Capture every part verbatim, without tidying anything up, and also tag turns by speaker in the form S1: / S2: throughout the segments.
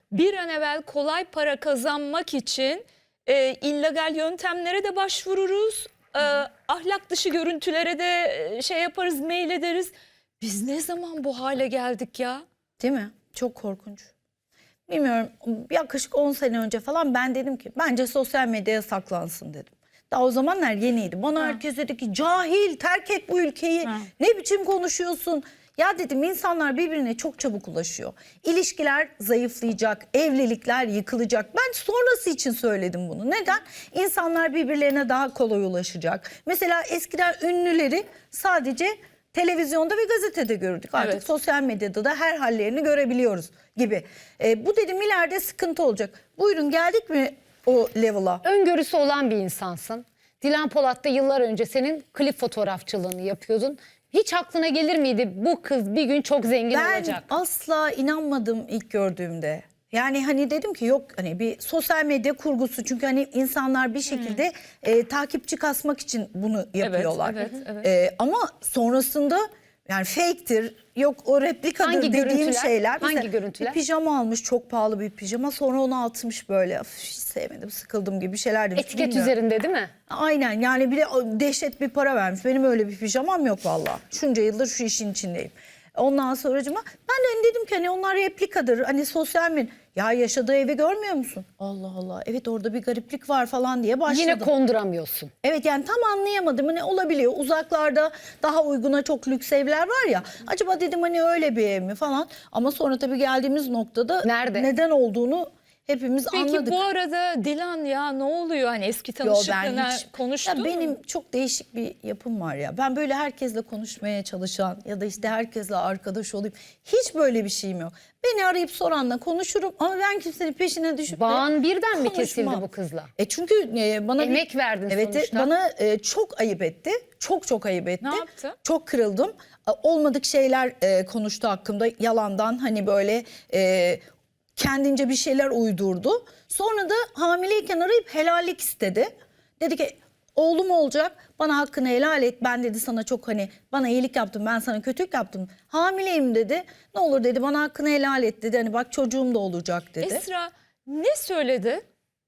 S1: bir an evvel kolay para kazanmak için e, illegal yöntemlere de başvururuz. E, ahlak dışı görüntülere de e, şey yaparız, mail ederiz. Biz ne zaman bu hale geldik ya?
S2: Değil mi? Çok korkunç. Bilmiyorum, yaklaşık on sene önce falan ben dedim ki bence sosyal medyaya saklansın dedim. Daha o zamanlar yeniydi. Bana
S1: Ha.
S2: herkes dedi ki cahil, terk et bu ülkeyi.
S1: Ha.
S2: Ne biçim konuşuyorsun? Ya dedim, insanlar birbirine çok çabuk ulaşıyor. İlişkiler zayıflayacak, evlilikler yıkılacak. Ben sonrası için söyledim bunu. Neden? İnsanlar birbirlerine daha kolay ulaşacak. Mesela eskiden ünlüleri sadece televizyonda ve gazetede gördük. Artık
S1: Evet.
S2: sosyal medyada da her hallerini görebiliyoruz gibi. E, bu dedim ileride sıkıntı olacak. Buyurun, geldik mi o level'a?
S3: Öngörüsü olan bir insansın. Dilan Polat da yıllar önce senin klip fotoğrafçılığını yapıyordun. Hiç aklına gelir miydi bu kız bir gün çok zengin
S2: Ben
S3: olacak?
S2: asla inanmadım ilk gördüğümde. Yani hani dedim ki yok, hani bir sosyal medya kurgusu, çünkü hani insanlar bir şekilde e, takipçi kasmak için bunu yapıyorlar.
S1: evet, evet.
S2: E, ama sonrasında yani fake'tir, yok o replikadır
S3: Hangi
S2: dediğim
S3: görüntüler?
S2: şeyler.
S3: Hangi
S2: Mesela
S3: görüntüler?
S2: Bir pijama almış, çok pahalı bir pijama, sonra onu atmış böyle. Of, hiç sevmedim, sıkıldım gibi şeyler demiş.
S3: Etiket
S2: Bilmiyorum.
S3: üzerinde değil mi?
S2: Aynen, yani bir de dehşet bir para vermiş. Benim öyle bir pijamam yok vallahi. Şunca yıldır şu işin içindeyim. Ondan sonracıma ben de hani dedim ki hani onlar replikadır. Hani sosyal medya. Ya yaşadığı evi görmüyor musun? Allah Allah, evet orada bir gariplik var falan diye başladım.
S3: Yine konduramıyorsun.
S2: Evet, yani tam anlayamadım, hani olabiliyor. Uzaklarda daha uyguna çok lüks evler var ya. Acaba dedim hani öyle bir ev mi falan. Ama sonra tabii geldiğimiz noktada
S3: Nerede?
S2: neden olduğunu hepimiz
S1: Peki
S2: anladık.
S1: bu arada Dilan ya ne oluyor? Hani eski
S2: Yo,
S1: tanışıklığına
S2: hiç-
S1: konuştun
S2: ya
S1: mu?
S2: benim çok değişik bir yapım var ya. Ben böyle herkesle konuşmaya çalışan ya da işte herkesle arkadaş olayım. Hiç böyle bir şeyim yok. Beni arayıp soranla konuşurum ama ben kimsenin peşine düşüp de
S3: Bağın birden mi kesildi
S2: konuşmam.
S3: bu kızla?
S2: E çünkü e, bana bir-
S3: Emek verdin
S2: evet,
S3: sonuçta.
S2: bana e, çok ayıp etti. Çok çok ayıp etti.
S1: Ne yaptı?
S2: Çok kırıldım. E, olmadık şeyler e, konuştu hakkımda. Yalandan hani böyle e, kendince bir şeyler uydurdu. Sonra da hamileyken arayıp helallik istedi. Dedi ki oğlum olacak, bana hakkını helal et. Ben dedi sana çok hani bana iyilik yaptım, ben sana kötülük yaptım. Hamileyim dedi. Ne olur dedi, bana hakkını helal et dedi. Hani bak çocuğum da olacak dedi.
S1: Esra ne söyledi?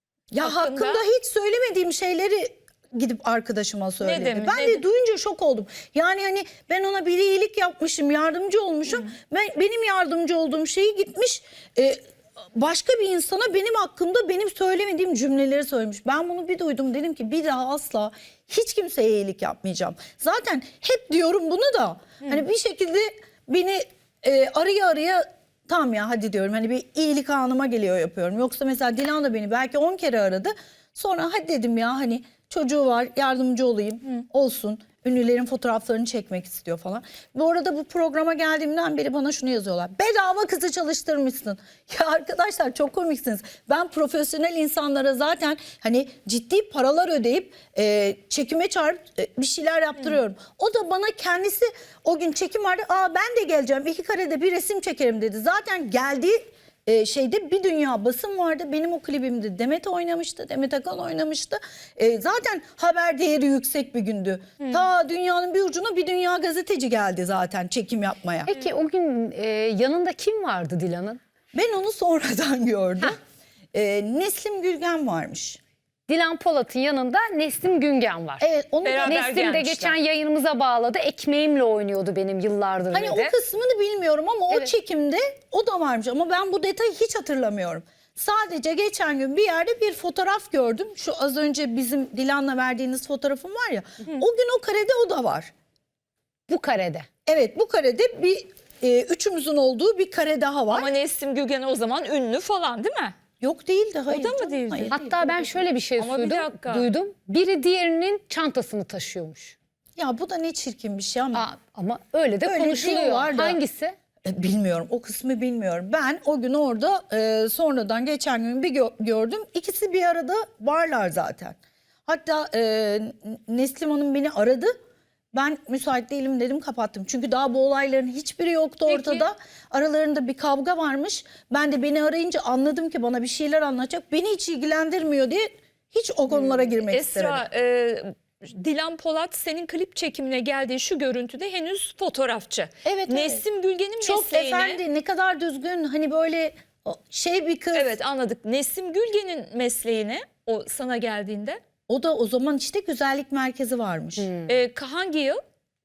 S2: Ya
S1: hakkında?
S2: hakkında hiç söylemediğim şeyleri gidip arkadaşıma söyledi.
S1: demiş,
S2: ben
S1: ne
S2: de
S1: de-
S2: duyunca şok oldum. Yani hani ben ona bir iyilik yapmışım, yardımcı olmuşum. Ben, benim yardımcı olduğum şeyi gitmiş e, başka bir insana benim hakkımda benim söylemediğim cümleleri söylemiş. Ben bunu bir duydum, dedim ki bir daha asla hiç kimseye iyilik yapmayacağım. Zaten hep diyorum bunu da hani bir şekilde beni e, araya araya tamam ya hadi diyorum, hani bir iyilik anıma geliyor yapıyorum. Yoksa mesela Dilan da beni belki on kere aradı. Sonra hadi dedim ya hani çocuğu var, yardımcı olayım, olsun. Ünlülerin fotoğraflarını çekmek istiyor falan. Bu arada bu programa geldiğimden beri bana şunu yazıyorlar. Bedava kızı çalıştırmışsın. Ya arkadaşlar çok komiksiniz. Ben profesyonel insanlara zaten hani ciddi paralar ödeyip e, çekime çağırıp e, bir şeyler yaptırıyorum. O da bana kendisi o gün çekim vardı. Aa ben de geleceğim, iki karede bir resim çekerim dedi. Zaten geldiği e, şeyde bir dünya basın vardı. Benim o klibimde Demet oynamıştı. Demet Akan oynamıştı. E, zaten haber değeri yüksek bir gündü. Ta dünyanın bir ucuna bir dünya gazeteci geldi zaten çekim yapmaya.
S3: Peki o gün e, yanında kim vardı Dilan'ın?
S2: Ben onu sonradan gördüm. E, Neslim Gülgen varmış.
S3: Dilan Polat'ın yanında Neslim Güngen var.
S2: Evet, onu da-
S1: Beraber
S3: Neslim de
S1: gelmişler.
S3: geçen yayınımıza bağladı. Ekmeğimle oynuyordu benim yıllardır
S2: Hani
S3: dedi.
S2: o kısmını bilmiyorum ama o
S3: Evet.
S2: çekimde o da varmış ama ben bu detayı hiç hatırlamıyorum. Sadece geçen gün bir yerde bir fotoğraf gördüm. Şu az önce bizim Dilan'la verdiğiniz fotoğrafım var ya. O gün o karede o da var.
S3: Bu karede.
S2: Evet, bu karede bir e, üçümüzün olduğu bir kare daha var.
S1: Ama Neslim Gülgen o zaman ünlü falan değil mi?
S2: Yok değildi, hayır.
S1: da mı
S2: canım,
S1: değildi?
S2: hayır
S3: Hatta
S2: değil.
S3: ben şöyle bir şey
S1: Ama bir
S3: duydum,
S1: dakika.
S3: duydum. Biri diğerinin çantasını taşıyormuş.
S2: Ya bu da ne çirkin bir şey ama.
S3: Aa, ama öyle de
S2: Öyle
S3: konuşuluyor.
S2: diyorlar da.
S3: Hangisi?
S2: E, Bilmiyorum, o kısmı bilmiyorum. Ben o gün orada e, sonradan geçen gün bir gö- gördüm. İkisi bir arada varlar zaten. Hatta e, Neslim Hanım beni aradı. Ben müsait değilim dedim, kapattım. Çünkü daha bu olayların hiçbiri yoktu
S1: Peki.
S2: ortada. Aralarında bir kavga varmış. Ben de beni arayınca anladım ki bana bir şeyler anlatacak. Beni hiç ilgilendirmiyor diye hiç o konulara girmek istemedim.
S1: Esra, e, Dilan Polat senin klip çekimine geldiği şu görüntüde henüz fotoğrafçı.
S2: Evet, evet.
S1: Neslim Gülgen'in
S2: Çok
S1: mesleğine...
S2: efendi, ne kadar düzgün, hani böyle O şey bir kız.
S1: Evet, anladık. Nesim Gülgen'in mesleğine o sana geldiğinde
S2: O da o zaman işte güzellik merkezi varmış.
S1: e, hangi yıl?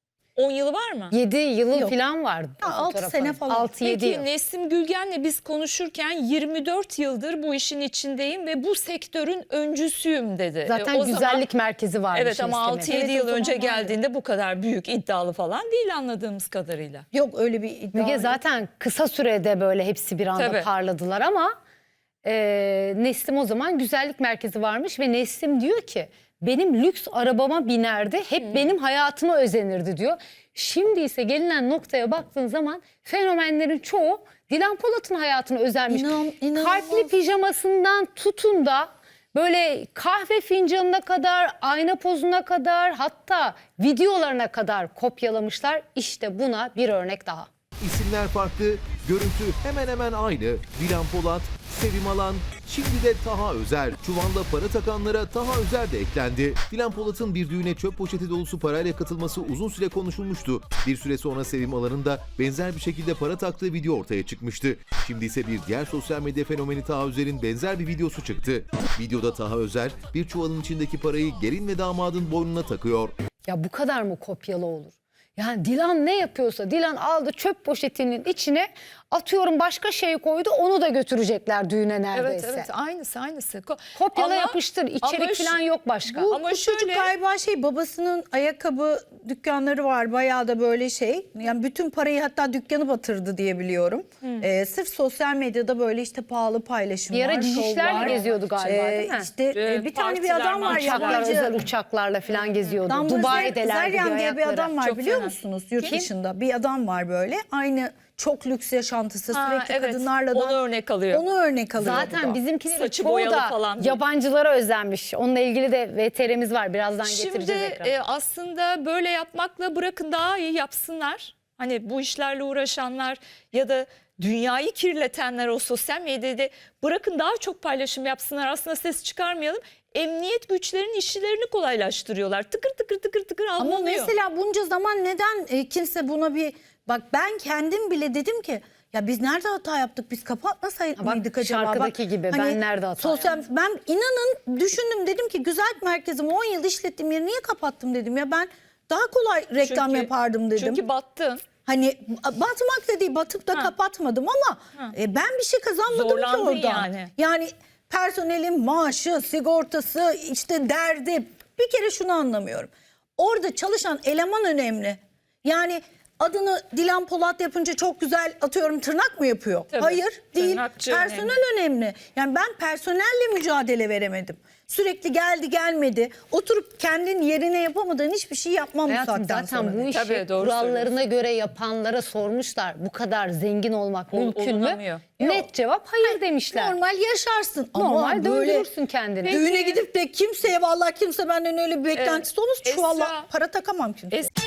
S1: on yılı var mı?
S3: yedi yılı
S2: Yok.
S3: falan vardı.
S2: Ya, altı sene falan.
S3: altı yedi
S1: Peki
S3: yıl.
S1: Nesim Gülgen'le biz konuşurken yirmi dört yıldır bu işin içindeyim ve bu sektörün öncüsüyüm dedi.
S3: Zaten
S1: E, o
S3: güzellik merkezi varmış.
S1: Evet ama
S3: Nesli'nin.
S1: altı yedi
S2: Evet, o
S1: yıl
S2: zaman
S1: önce
S2: vardı.
S1: geldiğinde bu kadar büyük iddialı falan değil anladığımız kadarıyla.
S2: Yok öyle bir iddia.
S3: Müge
S2: yok.
S3: zaten kısa sürede böyle hepsi bir anda
S1: Tabii.
S3: parladılar ama e, Neslim o zaman güzellik merkezi varmış ve Neslim diyor ki benim lüks arabama binerdi, hep benim hayatıma özenirdi diyor. Şimdi ise gelinen noktaya baktığın zaman fenomenlerin çoğu Dilan Polat'ın hayatına özenmiş.
S2: İnan- inanılmaz.
S3: Kalpli pijamasından tutun da böyle kahve fincanına kadar, ayna pozuna kadar, hatta videolarına kadar kopyalamışlar. İşte buna bir örnek daha.
S4: İsimler farklı, görüntü hemen hemen aynı. Dilan Polat, Sevim Alan, şimdi de Taha Özer. Çuvalla para takanlara Taha Özer de eklendi. Dilan Polat'ın bir düğüne çöp poşeti dolusu parayla katılması uzun süre konuşulmuştu. Bir süre sonra Sevim Alan'ın da benzer bir şekilde para taktığı video ortaya çıkmıştı. Şimdi ise bir diğer sosyal medya fenomeni Taha Özer'in benzer bir videosu çıktı. Videoda Taha Özer bir çuvalın içindeki parayı gelin ve damadın boynuna takıyor.
S3: Ya bu kadar mı kopyalı olur? Yani Dilan ne yapıyorsa Dilan aldı çöp poşetinin içine atıyorum başka şey koydu onu da götürecekler düğüne
S1: Evet
S3: neredeyse.
S1: evet aynısı aynısı. Ko-
S3: Kopyala
S1: Ama-
S3: yapıştır
S1: ama
S3: içerik
S1: şu-
S3: falan yok başka.
S2: Bu,
S1: Ama
S2: bu çocuk
S1: şöyle-
S2: galiba şey babasının ayakkabı dükkanları var bayağı da böyle şey. Yani bütün parayı hatta dükkanı batırdı diye biliyorum. Ee, sırf sosyal medyada böyle işte pahalı paylaşımlar.
S3: Bir ara cicişlerle
S2: şovlar.
S3: geziyordu galiba, değil mi?
S2: İşte
S1: Ee,
S2: e, bir tane bir
S1: partiler,
S2: adam var
S1: marşlar.
S3: Uçaklar,
S2: yabancı.
S3: özel uçaklarla falan geziyordu.
S2: Damla
S3: Dubai'deler
S2: Zeryan
S3: gidiyor
S2: diye bir
S3: hayatları.
S2: adam var
S1: Çok
S2: biliyor
S1: fena.
S2: musunuz? Yurt
S1: Kim?
S2: dışında bir adam var böyle. Aynı çok lüks yaşantısı
S1: Ha,
S2: sürekli
S1: evet.
S2: kadınlarla da
S1: Onu örnek alıyor.
S2: Onu örnek alıyor. bu
S3: Zaten
S2: da.
S3: bizimkilerin
S1: Saçı
S3: çoğu
S1: boyalı
S3: da
S1: falan değil.
S3: yabancılara özenmiş. Onunla ilgili de V T R'miz var. Birazdan
S1: Şimdi
S3: getireceğiz ekrana.
S1: e, aslında böyle yapmakla bırakın daha iyi yapsınlar. Hani bu işlerle uğraşanlar ya da dünyayı kirletenler o sosyal medyada bırakın daha çok paylaşım yapsınlar. Aslında ses çıkarmayalım. Emniyet güçlerinin işlerini kolaylaştırıyorlar. Tıkır tıkır tıkır tıkır
S2: Ama
S1: alınıyor.
S2: mesela bunca zaman neden e, kimse buna bir bak ben kendim bile dedim ki ya biz nerede hata yaptık biz kapatmasaydık
S3: Bak,
S2: mıydık acaba?
S3: şarkıdaki
S2: Bak,
S3: gibi, ben nerede hata
S2: sosyal, Ben inanın düşündüm dedim ki güzellik merkezimi on yıl işlettiğim yeri niye kapattım dedim ya ben daha kolay reklam
S1: Çünkü-
S2: yapardım dedim.
S1: Çünkü battın.
S2: Hani batmak da değil batıp da
S1: Ha.
S2: kapatmadım ama e, ben bir şey kazanmadım ki
S1: Zorlandın
S2: oradan.
S1: yani.
S2: Yani personelin maaşı, sigortası, işte derdi bir kere şunu anlamıyorum. Orada çalışan eleman önemli. Yani adını Dilan Polat yapınca çok güzel atıyorum tırnak mı yapıyor?
S1: Tabii,
S2: Hayır değil.
S1: tırnakçı
S2: Personel önemli. Yani ben personelle mücadele veremedim. Sürekli geldi gelmedi. Oturup kendin yerine yapamadığın hiçbir şey yapmam bu
S3: Hayatım
S2: saatten
S3: zaten
S2: sonra.
S3: bu işi
S1: Tabii, doğru
S3: kurallarına göre yapanlara sormuşlar. Bu kadar zengin olmak
S1: Ol-
S3: mümkün mü?
S1: olunamıyor.
S3: Net cevap hayır demişler.
S2: Normal yaşarsın ama
S3: Normal
S2: böyle
S3: döndürürsün kendini.
S2: düğüne gidip de kimseye vallahi kimse benden öyle bir beklentisi olmaz.
S1: Esra-
S2: Şu vallahi para takamam kimseye.
S1: Es-